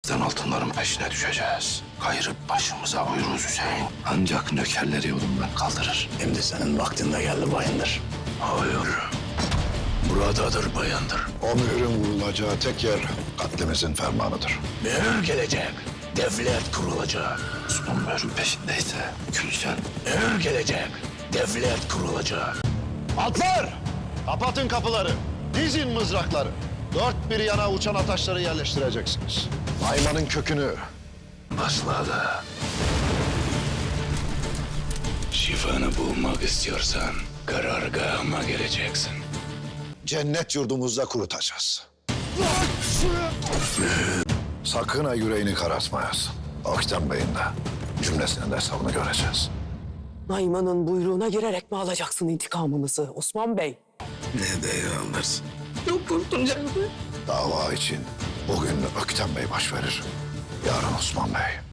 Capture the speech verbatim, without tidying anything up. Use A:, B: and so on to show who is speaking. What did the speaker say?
A: Kaptan altınların peşine düşeceğiz. Kayırıp başımıza buyuruz Hüseyin. Ancak nökerleri yolundan kaldırır.
B: Şimdi senin vaktinde geldi Bayındır.
A: Hayır. Buradadır Bayındır.
C: O mührün vurulacağı tek yer katlimizin fermanıdır.
B: Mühür gelecek, devlet kurulacak.
A: Osman mührün peşindeyse Gülşen.
B: Mühür gelecek, devlet kurulacak.
C: Atlar! Kapatın kapıları. Dizin mızrakları. Dört bir yana uçan ataşları yerleştireceksiniz. Nayman'ın kökünü
A: Başladı.
B: Şifanı bulmak istiyorsan karargahıma geleceksin.
C: cennet yurdumuzda kurutacağız. Sakın ha yüreğini karartmayasın. Aktem Bey'in de cümlesinin de hesabını göreceğiz.
D: Nayman'ın buyruğuna girerek mi alacaksın intikamımızı Osman Bey?
A: Ne de alırsın.
D: Çok korktum canım.
C: Dava için bugün Aktem Bey baş verir. Yarın Osman Bey.